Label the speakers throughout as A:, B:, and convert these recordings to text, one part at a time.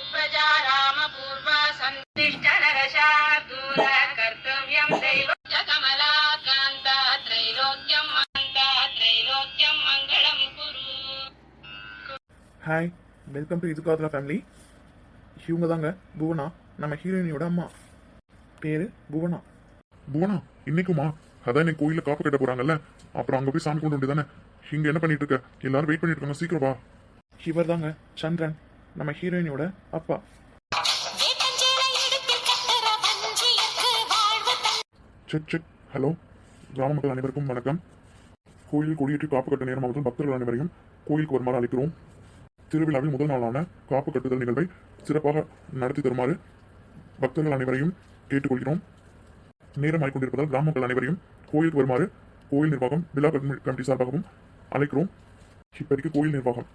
A: सुप्रजा रामपूर्वा सन्तिष्ठ नरशार्दूल कर्तव्यं दैवस्य कमलाकान्त त्रैलोक्यं मङ्गलं कुरु.
B: ஹாய், வெல்கம் டு இதுக்காதுரா ஃபேமிலி. இவங்க தாங்க புவனா, நம்ம ஹீரோயினியோட அம்மா. பேரு புவனா.
C: புவனா, இன்னைக்குமா? அதான் இன்னைக்கு கோயிலில் காப்பு கட்ட போறாங்கல்ல, அப்புறம் அங்கே போய் சாமி கொண்டு வந்து தானே. இங்கே என்ன பண்ணிட்டு இருக்க? எல்லாரும் வெயிட் பண்ணிட்டு இருக்காங்க, சீக்கிரம் வா.
B: இவர் தாங்க சந்திரன், நம்ம ஹீரோயினியோட அப்பா.
C: Check check. ஹலோ, கிராம மக்கள் அனைவருக்கும் வணக்கம். கோயிலில் கொடியேற்றி காப்பு கட்ட நேரமாவதும் பக்தர்கள் அனைவரையும் கோயிலுக்கு வருமாறு அழைக்கிறோம். திருவிழாவில் முதல் நாளான காப்பு கட்டுதல் நிகழ்வை சிறப்பாக நடத்தி தருமாறு பக்தர்கள் அனைவரையும் கேட்டுக்கொள்கிறோம். நேரம் ஆகிக்கொண்டிருப்பதால் கிராம மக்கள் அனைவரையும் கோயிலுக்கு வருமாறு கோயில் நிர்வாகம், விழா கமிட்டி சார்பாகவும் அழைக்கிறோம். இப்போதைக்கு கோயில் நிர்வாகம்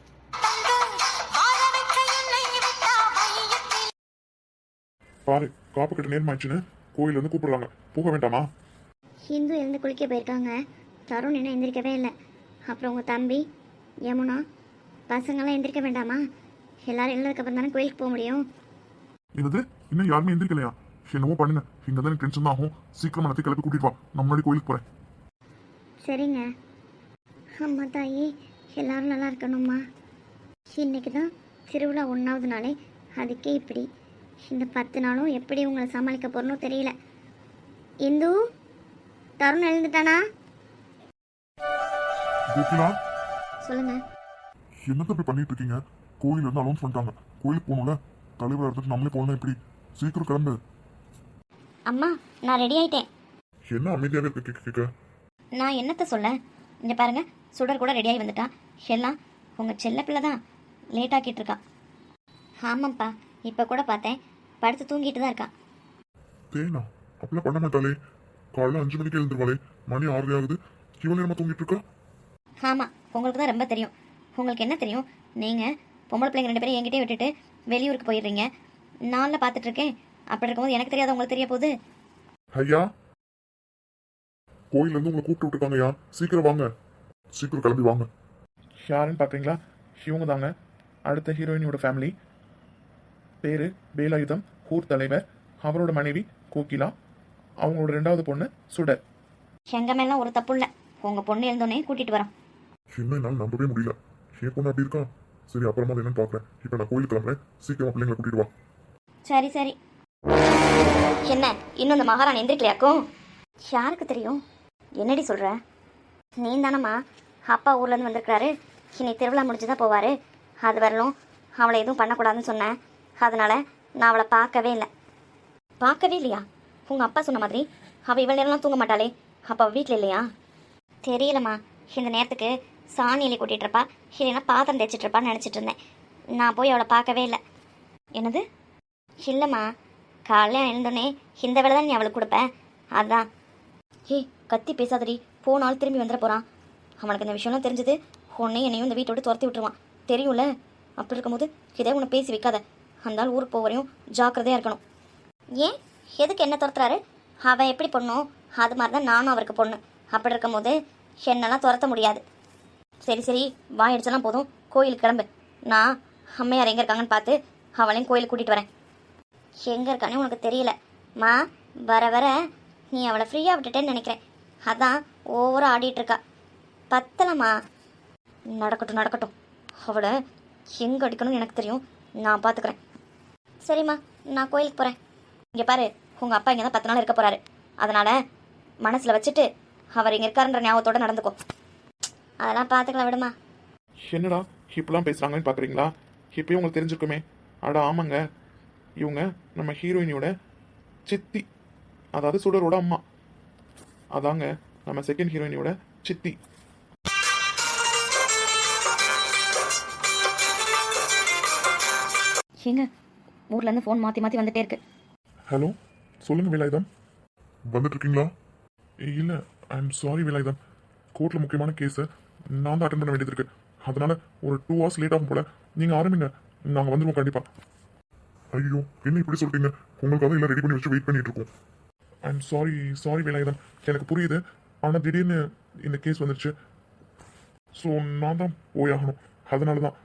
C: பாரு, காப்பு கட்ட நேரம் ஆயிடுச்சுன்னு கோயில் வந்து கூப்பிடுறாங்க, போக வேண்டாமா?
D: ஹிந்து எழுந்து குளிக்க போயிருக்காங்க. தருண் இன்னும் எந்திரிக்கவே இல்லை. அப்புறம் உங்கள் தம்பி யமுனா பசங்களாம் எந்திரிக்க வேண்டாமா? எல்லாரும் எழுந்ததுக்கப்புறம் தானே கோயிலுக்கு போக முடியும்.
C: என்னது, இன்னும் யாருமே எந்திரிக்கலையா? என்னவோ பண்ணுங்க, இங்கே தான் எனக்கு டென்ஷன் தான் ஆகும். சீக்கிரம் நடத்தி கிளப்பி கூட்டிட்டு வா, நான் முன்னாடி கோயிலுக்கு போகிறேன்.
D: சரிங்க. அம்மா தாயி, எல்லாரும் நல்லா இருக்கணும்மா. இன்னைக்கு தான் திருவிழா 1வது நாளே, அதுக்கே இப்படி. இந்த 10 நாளும் எப்படி உங்களை சமாளிக்க போறனோ தெரியல. இந்து, தருண் எழுந்துட்டானா?
C: கோகிலா,
D: சொல்லுங்க.
C: என்னத்தை இப்படி பண்ணிட்டு இருக்கீங்க? கோயில் இருந்து அலௌன்ஸ் பண்ணிட்டாங்க, கோயிலுக்கு போகணும்ல. தலைவர் எடுத்துட்டு நம்மளே போகணும். எப்படி? சீக்கிரம் கிளம்பு.
D: அம்மா, நான் ரெடி ஆயிட்டேன்.
C: என்ன அமைதியாவே இருக்க?
D: நான் என்னத்த சொல்ல? இங்கே பாருங்க, சுடர் கூட ரெடியாகி வந்துட்டான். எல்லாம் உங்கள் செல்ல பிள்ளை தான் லேட் ஆக்கிட்டு இருக்கா. ஆமாம்ப்பா, இப்போ கூட பார்த்தேன், படுத்து தூங்கிட்டு தான் இருக்கான்.
C: தேனா அப்படிலாம் பண்ண மாட்டாளே. காலைல 5 மணிக்கு எழுந்துருவாளே, மணி 6 ஆகுது. இவ்வளோ நேரமா தூங்கிட்டு இருக்கா?
D: ஆமாம், உங்களுக்கு தான் ரொம்ப தெரியும். உங்களுக்கு என்ன தெரியும்? நீங்கள் பொம்பளை பிள்ளைங்க 2 பேரும் என்கிட்டே விட்டுட்டு வெளியூருக்கு போயிடுறீங்க. நாளில் பார்த்துட்ருக்கேன். அப்படி இருக்கும்போது எனக்கு தெரியாத உங்களுக்கு தெரிய போகுது.
C: ஐயா, கோயில இருந்து உங்களை கூப்பிட்டு விட்டுருக்காங்கய்யா, சீக்கிரம் வாங்க, சீக்கிரம் கிளம்பி வாங்க.
B: யாருன்னு பார்க்குறீங்களா? இவங்க தாங்க அடுத்த ஹீரோயினியோட ஃபேமிலி. பேரு வேலாயுதம், ஊர் தலைவர். அவரோட மனைவி கோகிலா, அவங்களோட 2வது பொண்ணு சுடர்.
D: எங்கள் மேலாம் ஒரு தப்பு இல்லை. உங்கள் பொண்ணு எழுந்தோடனே கூட்டிகிட்டு வரோம்.
C: இன்னும் என்னால் நம்பவே முடியல. என் பொண்ணு அப்படி இருக்கா? சரி, அப்புறமா என்னன்னு பார்க்குறேன். இப்போ நான் கோயிலுக்கு கிளம்புறேன், சீக்கிரமா பிள்ளைங்களை கூட்டிட்டு வா.
D: சரி சரி. என்ன, இன்னும் இந்த மகாராணி எந்திரிக்கலையாக்கும்? யாருக்கு தெரியும்? என்னடி சொல்கிற? நீ தானம்மா அப்பா ஊர்லேருந்து வந்திருக்கிறாரு. இனி திருவிழா முடிஞ்சு தான் போவார். அது வரலும் அவளை எதுவும் பண்ணக்கூடாதுன்னு சொன்னேன். அதனால் நான் அவளை பார்க்கவே இல்லை. பார்க்கவே இல்லையா? உங்கள் அப்பா சொன்ன மாதிரி அவள் இவ்வளோ நேரம்லாம் தூங்க மாட்டாளே. அப்போ அவள் வீட்டில் இல்லையா? தெரியலம்மா, இந்த நேரத்துக்கு சாணி எலி கூட்டிகிட்டு இருப்பா, இல்லைன்னா பாத்திரம் தேய்ச்சிட்டு இருப்பான்னு நினச்சிட்டு இருந்தேன். நான் போய் அவளை பார்க்கவே இல்லை. என்னது? இல்லைம்மா, காலையில் எழுந்தோடனே இந்த வேலை தான் நீ அவளுக்கு கொடுப்பேன், அதான். ஏய், கத்தி பேசாதடி, போனாலும் திரும்பி வந்துட போகிறான். அவனுக்கு இந்த விஷயம்லாம் தெரிஞ்சது உன்னையும் என்னையும் இந்த வீட்டை விட்டு துரத்தி விட்டுருவான், தெரியும்ல? அப்படி இருக்கும்போது இதே உன்னை பேசி வைக்காத. அந்த ஆள் ஊருக்கு போவரையும் ஜாக்கிரதையாக இருக்கணும். ஏன், எதுக்கு என்ன துரத்துறாரு? அவன் எப்படி பொண்ணோ அது மாதிரி தான் நானும் அவருக்கு பொண்ணு. அப்படி இருக்கும்போது என்னெல்லாம் துரத்த முடியாது. சரி சரி, வாயிடுச்செல்லாம் போதும், கோயிலுக்கு கிளம்பு. நான் அம்மையார் எங்கே இருக்காங்கன்னு பார்த்து அவளையும் கோயிலுக்கு கூட்டிகிட்டு வரேன். எங்கே இருக்கானே உனக்கு தெரியல மா. வர வர நீ அவளை ஃப்ரீயாக விட்டுட்டேன்னு நினைக்கிறேன். அதான் ஓவராக ஆடிட்டுருக்கா. பத்தலம்மா. நடக்கட்டும் நடக்கட்டும், அவளை எங்கே அடிக்கணும்னு எனக்கு தெரியும், நான் பார்த்துக்கிறேன். சரிம்மா, நான் கோயிலுக்கு போகிறேன். இங்கே பாரு, உங்கள் அப்பா இங்கே தான் 10 நாள் இருக்க போகிறாரு. அதனால் மனசில் வச்சுட்டு அவர் இங்கே இருக்காருன்ற ஞாபகத்தோடு நடந்துக்கும். அதெல்லாம் பார்த்துக்கலாம், விடுமா.
B: என்னடா இப்பெல்லாம் பேசுகிறாங்கன்னு பார்க்குறீங்களா? இப்போயும் உங்களுக்கு தெரிஞ்சிருக்குமே. அடா ஆமாங்க, இவங்க நம்ம ஹீரோயினியோட சித்தி, அதாவது சுடரோட அம்மா. அதாங்க நம்ம செகண்ட் ஹீரோயினியோட சித்தி.
D: ஏங்க, ஊர்லேருந்து ஃபோன் மாற்றி மாற்றி வந்துட்டே இருக்கு.
C: ஹலோ, சொல்லுங்க வேலாயுதம். வந்துட்டு இருக்கீங்களா? இல்லை, ஐ எம் சாரி வேலாயுதம். கோர்ட்டில் முக்கியமான கேஸை நான் தான் அட்டன் பண்ண வேண்டியது இருக்கு. அதனால ஒரு 2 hours லேட் ஆகும் போல. நீங்கள் ஆரம்பிங்க, நாங்கள் வந்துடுவோம் கண்டிப்பாக. ஐயோ, என்ன இப்படி சொல்லிட்டீங்க? உங்களுக்காக எல்லாம் ரெடி பண்ணி வச்சு வெயிட் பண்ணிட்டு இருக்கோம். I am sorry Velayudham. எனக்கு புரியுது, ஆனால் திடீர்னு இந்த கேஸ் வந்துருச்சு. ஸோ நான் தான் போயாகணும். அதனால தான்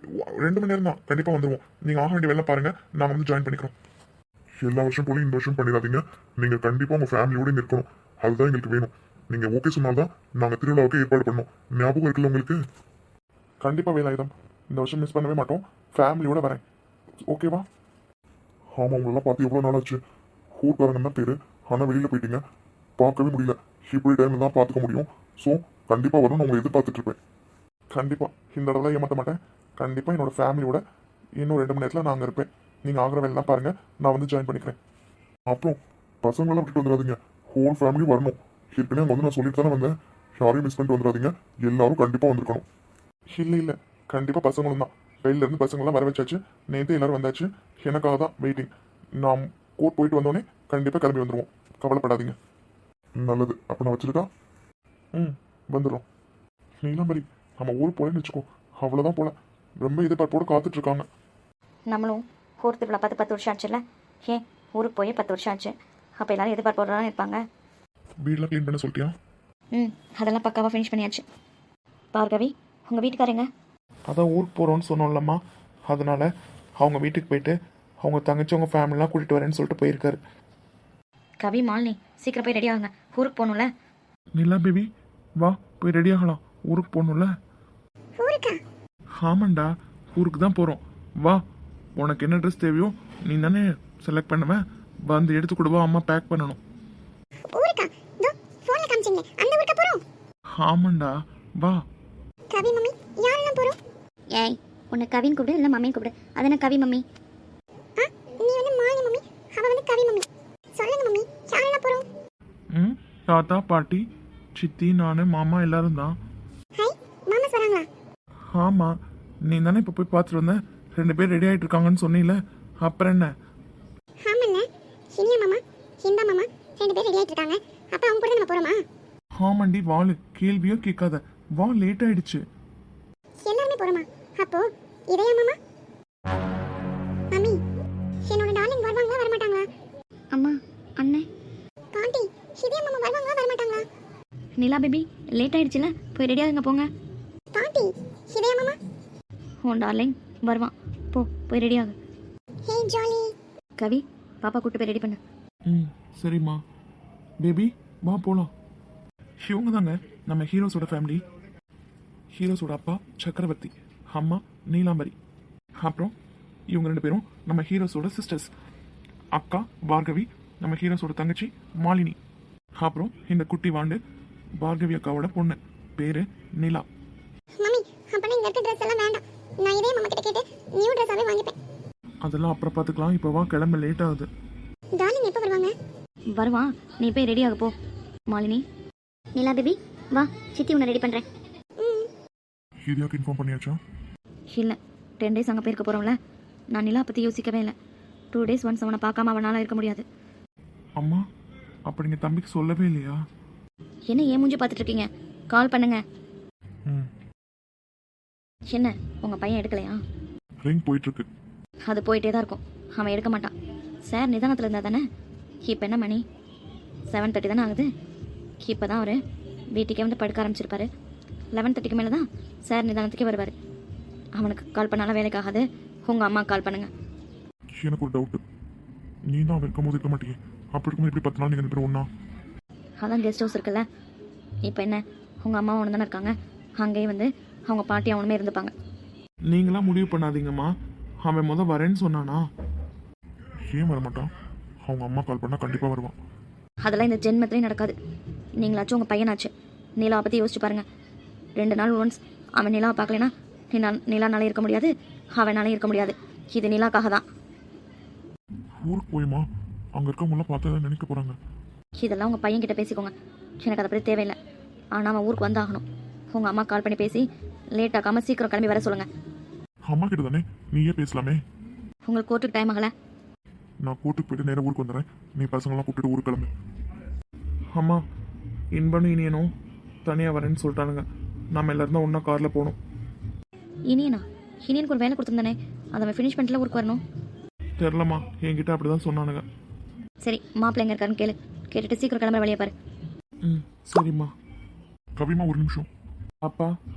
C: 2 மணி நேரம் தான் கண்டிப்பாக வந்துடுவோம். நீங்கள் ஆக வேண்டிய வேலை பாருங்கள், நாங்கள் வந்து ஜாயின் பண்ணிக்கிறோம். எல்லா வருஷம் போல இந்த வருஷம் பண்ணிடாதீங்க. நீங்கள் கண்டிப்பாக உங்கள் ஃபேமிலியோடு இங்கே இருக்கணும். அதுதான் எங்களுக்கு வேணும். நீங்கள் ஓகே சொன்னால்தான் நாங்கள் திருவிழாவுக்கு ஏற்பாடு பண்ணோம். ஞாபகம் இருக்குல்ல உங்களுக்கு?
B: கண்டிப்பாக வேலாயுதம், இந்த வருஷம் மிஸ் பண்ணவே மாட்டோம். ஃபேமிலியோட வரேன், ஓகேவா?
C: ஆமாம், உங்களெல்லாம் பார்த்து எவ்வளோ நாள் ஆச்சு. ஊர்க்காரங்க தான் பேர், ஆனால் வெளியில் போயிட்டீங்க, பார்க்கவே முடியல. இப்படி டைமில் தான் பார்த்துக்க முடியும். ஸோ கண்டிப்பாக வரணும், நான் உங்களை எதிர்பார்த்துட்ருப்பேன்.
B: கண்டிப்பாக இந்த தடவை ஏமாற்ற மாட்டேன். கண்டிப்பாக என்னோட ஃபேமிலியோட இன்னும் 2 மணி நேரத்தில் நான் அங்கே இருப்பேன். நீங்கள் ஆகிற வேலைலாம் பாருங்கள், நான் வந்து ஜாயின் பண்ணிக்கிறேன்.
C: அப்புறம் பசங்களெல்லாம் விட்டுட்டு வந்துடாதீங்க, ஹோல் ஃபேமிலி வரணும். ஏற்கனவே அங்கே வந்து நான் சொல்லிட்டு தானே வந்தேன், யாரையும் மிஸ் பண்ணிட்டு வந்துடாதீங்க, எல்லாரும் கண்டிப்பாக வந்திருக்கணும்.
B: இல்லை கண்டிப்பாக பசங்களும் தான். வெளியிலேருந்து பசங்களாம் வர வச்சாச்சு. நேற்று எல்லோரும் வந்தாச்சு. எனக்காக தான் வெயிட்டிங். நான் கோர்ட் போயிட்டு வந்தோடனே கண்டிப்பாக கிளம்பி வந்துடுவோம், கவலைப்படாதீங்க.
C: நல்லது, அப்போ நான் வச்சுருக்கா?
B: வந்துடும். நீலாம்பரி, நம்ம ஊருக்கு போலேன்னு வச்சுக்கோ, அவ்வளோதான் போல. ரொம்ப எதிர்பார்ப்போடு காத்துட்ருக்காங்க.
D: நம்மளும் ஊர் திருவிழா பார்த்து 10 வருஷம் ஆச்சுல்ல. ஏன் ஊருக்கு போய் 10 வருஷம் ஆச்சு. அப்போ எல்லாரும் எதிர்பார்ப்போடு தான் இருப்பாங்க.
B: வீடெலாம் க்ளீன் பண்ண சொல்லிட்டியா?
D: அதெல்லாம் பக்காவாக ஃபினிஷ் பண்ணியாச்சு. பார்கவி, உங்கள் வீட்டுக்காரங்க?
B: அதான் ஊருக்கு போகிறோன்னு சொன்னோம்லம்மா, அதனால் அவங்க வீட்டுக்கு போயிட்டு அவங்க தங்கச்சி அவங்க ஃபேமிலிலாம் கூட்டிகிட்டு வரேன்னு சொல்லிட்டு போயிருக்காரு.
D: கவி, மாலினி, சீக்கிரம் போய் ரெடி ஆகுங்க, ஊருக்கு போகணும்ல.
B: நிலா பேபி, வா போய் ரெடி ஆகலாம், ஊருக்கு போகணும்ல. ஆமாண்டா, ஊருக்கு தான் போகிறோம். வா, உனக்கு என்ன ட்ரெஸ் தேவையோ நீ தானே செலக்ட் பண்ணுவேன், வந்து எடுத்து கொடுவா. அம்மா பேக் பண்ணணும்.
E: ஊருக்கா? இதோ ஃபோன்ல காமிச்சீங்க, அந்த ஊருக்கு போறோம்.
B: ஆமாண்டா, வா.
E: கவி மம்மி, யாரெல்லாம் போறோம்?
D: ஏய், உன்னை கவின்னு கூப்பிடு, இல்லை மம்மின்னு கூப்பிடு. அது என்ன கவி மம்மி?
E: நீ வந்து மாலி மம்மி, அவ வந்து கவி மம்மி. சொல்லுங்க மம்மி, யாரெல்லாம் போறோம்?
B: தாத்தா பாட்டி சித்தி நான் மாமா எல்லாரும் தான்.
E: ஹை, மாமா வராங்களா?
B: ஆமாம், நீ தானே இப்போ போய் பார்த்துட்டு வந்த. 2 பேர் ரெடி ஆகிட்டு இருக்காங்கன்னு சொன்னீல, அப்புறம் என்ன?
E: ஆமாண்ணே, இனியா மாமா, ஹிந்தா மாமா 2 பேர் ரெடி ஆயிட்டு இருக்காங்க. அப்ப அவங்க கூட நம்ம போறோமா?
B: ஆமாண்டி, வாளு கேள்வியோ கேட்காத, வா, லேட் ஆயிடுச்சு.
E: எல்லாருமே போறோமா? அப்போ இதயா மாமா? மம்மி, என்னோட டார்லிங் வருவாங்களா வரமாட்டாங்களா?
D: அம்மா, அண்ணே,
E: பாட்டி, இதயா மாமா வருவாங்களா வரமாட்டாங்களா?
D: நிலா பேபி, லேட் ஆயிடுச்சுல, போய் ரெடி ஆகுங்க போங்க.
E: பாட்டி, இதயா மாமா?
D: உன் டார்லிங் வருவான், போய் ரெடி ஆகு.
E: ஹே ஜாலி.
D: கவி, பாப்பா கூட்டு போய் ரெடி பண்ணு.
B: சரிம்மா. பேபி, வா போகலாம். இவங்க தாங்க நம்ம ஹீரோஸோட ஃபேமிலி. ஹீரோஸோட அப்பா சக்கரவர்த்தி, அம்மா நீலாம்பரி. அப்புறம் இவங்க 2 பேரும் நம்ம ஹீரோஸோட சிஸ்டர்ஸ். அக்கா பார்கவி, நம்ம ஹீரோஸோட தங்கச்சி மாலினி. அப்புறம் இந்த குட்டி வாண்டு பார்கவி அக்காவோட பொண்ணு, பேரு நிலா.
E: மம்மி, அப்பனா இங்க இருக்க ட்ரெஸ் எல்லாம் வேண்டாம். நான் இதே மாமா கிட்ட கேட்டு நியூ ட்ரெஸ்ஸாவே வாங்கிப்பேன்.
B: அதெல்லாம் அப்புறம் பார்த்துக்கலாம், இப்போ வா, கிளம்ப லேட் ஆகுது.
E: டார்லிங் எப்போ வருவாங்க?
D: வருவான், நீ போய் ரெடி ஆக போ. மாலினி, நிலா பேபி, வா, சித்தி உன்னை ரெடி பண்ணுறேன்.
C: ஹீரியாவுக்கு இன்ஃபார்ம் பண்ணியாச்சா?
D: இல்லை, 10 டேஸ் அங்கே போயிருக்க போகிறோம்ல. நான் நிலா பற்றி யோசிக்கவே இல்லை. 2 டேஸ் ஒன்ஸ் அவனை பார்க்காம அவனால் இருக்க முடியாது.
B: அம்மா, அப்போ நீங்கள் தம்பிக்கு சொல்லவே இல்லையா?
D: என்ன ஏன் மூஞ்சி பார்த்துட்டு இருக்கீங்க? கால் பண்ணுங்க. என்ன, உங்கள் பையன் எடுக்கலையா?
C: ரிங் போயிட்டுருக்கு.
D: அது போயிட்டே தான் இருக்கும், அவன் எடுக்க மாட்டான். சார் நிதானத்தில் இருந்தால் தானே. இப்போ என்ன மணி? 7:30 தானே ஆகுது. இப்போ தான் அவர் வீட்டுக்கே வந்து படுக்க ஆரம்பிச்சிருப்பாரு. 11:30க்கு மேலே தான் சார் நிதானத்துக்கே வருவார். அவனுக்கு கால் பண்ணாலும் வேலைக்கு ஆகாது. உங்கள் அம்மா கால் பண்ணுங்க.
C: எனக்கு ஒரு டவுட்டு, நீ தான் அவன் இருக்கும் போது இருக்க மாட்டேங்க, அப்படி இருக்கும்போது எப்படி 10 நாள் நீங்கள் 2 பேரும் ஒன்றா?
D: அதான் கெஸ்ட் ஹவுஸ் இருக்குல்ல. இப்போ என்ன, உங்கள் அம்மா ஒன்று தானே இருக்காங்க, அங்கேயே வந்து அவங்க பாட்டி அவனுமே இருந்துப்பாங்க.
B: நீங்களாம் முடிவு பண்ணாதீங்கம்மா. அவன் வரேன்னு சொன்னானா?
C: ஏன் வரமாட்டான்? அவங்க அம்மா கால் பண்ணால் கண்டிப்பாக வருவான்.
D: அதெல்லாம் இந்த ஜென்மத்திலையும் நடக்காது. நீங்களாச்சும் உங்கள் பையனாச்சு. நிலாவை பற்றி யோசிச்சு பாருங்கள். 2 நாள் ஒன்ஸ் அவன் நிலாவை பார்க்கலனா நிலானாலே இருக்க முடியாது, அவனாலே இருக்க முடியாது. இது நிலாக்காக தான்.
C: ஊருக்கு போயுமா? அங்கே இருக்கவங்களாம் பார்த்தா நினைக்க போகிறாங்க.
D: இதெல்லாம் உங்கள் பையன்கிட்ட பேசிக்கோங்க, எனக்கு அதை பற்றி தேவையில்லை. ஆனால் அவன் ஊருக்கு வந்தாகணும். உங்கள் அம்மா கால் பண்ணி பேசி லேட் ஆகாமல் சீக்கிரம் கிளம்பி வர சொல்லுங்கள்.
C: அம்மா கிட்ட தானே, நீயே பேசலாமே.
D: உங்களுக்கு கோர்ட்டுக்கு டைம் ஆகலை.
C: நான் கோர்ட்டுக்கு போயிட்டு நேராக ஊருக்கு வந்துடுறேன், நீ பசங்களாம் கூப்பிட்டு ஊருக்கு கிளம்பு.
B: அம்மா, இன்பனும் இனியனும் தனியாக வரேன்னு சொல்லிட்டானுங்க. நம்ம எல்லாரும் தான் ஒன்றா காரில் போகணும்.
D: இனியனுக்கு ஒரு வேலை கொடுத்துருந்தானே, அதை அவன் ஃபினிஷ் பண்ணிட்டுல ஊருக்கு வரணும்.
B: தெரிலம்மா, என்கிட்ட அப்படி தான் சொன்னானுங்க.
D: சரி, மாப்பிள்ளை எங்கே இருக்காருன்னு கேட்டுட்டு சீக்கிரம் கிளம்புற வழியை பாரு.
B: சரிம்மா.
C: கவிமா, ஒரு நிமிஷம்.
B: அப்பா,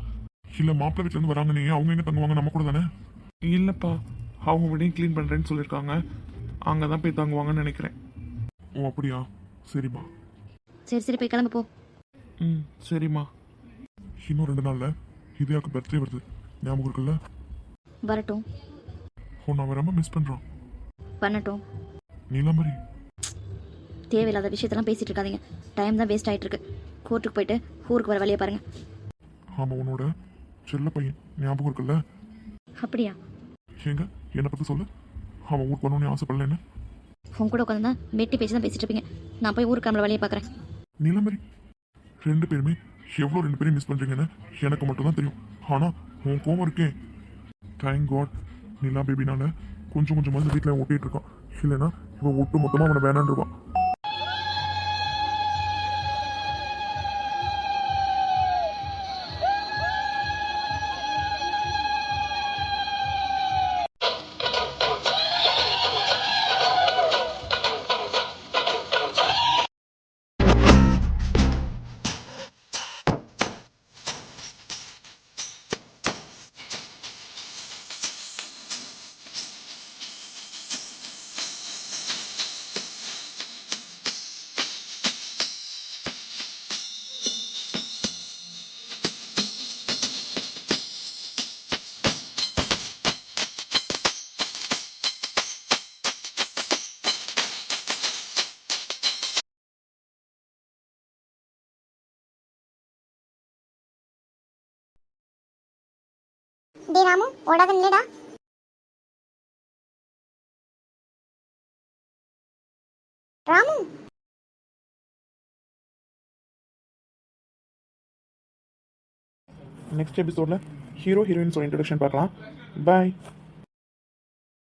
C: இல்லை மாப்பிள்ளை வீட்டிலேருந்து வராங்க நீ அவங்க எங்கே தங்குவாங்க நம்ம கூட தானே?
B: இல்லைப்பா, அவங்க வீடையும் க்ளீன் பண்ணுறேன்னு சொல்லியிருக்காங்க. அங்கே தான் போய் தங்குவாங்கன்னு நினைக்கிறேன்.
C: ஓ அப்படியா, சரிம்மா.
D: சரி சரி போய் கிளம்பு போ.
B: ம், சரிம்மா.
C: இன்னும் 2 நாளில் ஹிதயாவுக்கு பர்த்டே வருது, ஞாபகம் இருக்குல்ல?
D: வரட்டும்.
C: உன்னை அவன் ரொம்ப மிஸ் பண்ணுறான்.
D: பண்ணட்டும்.
C: நீலாம்பரி,
D: தேவையில்லாத விஷயத்தெல்லாம் பேசிட்டு இருக்காதீங்க. டைம் தான் வேஸ்ட் ஆயிட்டு இருக்கு. கோர்ட்டுக்கு போயிட்டு ஊருக்கு வர வழியை பாருங்க.
C: ஆமாம் உன்னோட செல்ல பையன் ஞாபகம் இருக்குல்ல?
D: அப்படியா?
C: ஏங்க என்னை பற்றி சொல்லு. அவன் ஊருக்கு வரணும்னு ஆசைப்படல என்ன?
D: உன் கூட உட்காந்து தான் வெட்டி பேச்சு தான் பேசிட்டு இருப்பீங்க. நான் போய் ஊருக்கு கிளம்புற வழியை பார்க்குறேன்.
C: நீலாம்பரி, 2 பேருமே எவ்வளோ 2 பேரையும் மிஸ் பண்ணுறீங்கன்னு எனக்கு மட்டும் தான் தெரியும். ஆனால் உன் கோவம் இருக்கேன். தேங்க் காட் நிலா பேபினால கொஞ்சம் கொஞ்சமாக வீட்டில் ஒட்டிகிட்டு இருக்கான். இல்லைன்னா இவன் ஒட்டு மொத்தமாக அவனை வேணான்னு இருப்பான்.
E: டே ராமு ஓடாத நில்லுடா. ராமு
B: நெக்ஸ்ட் எபிசோடில் ஹீரோ ஹீரோயின்ஸோட இன்ட்ரடக்ஷன் பார்க்கலாம். பாய்.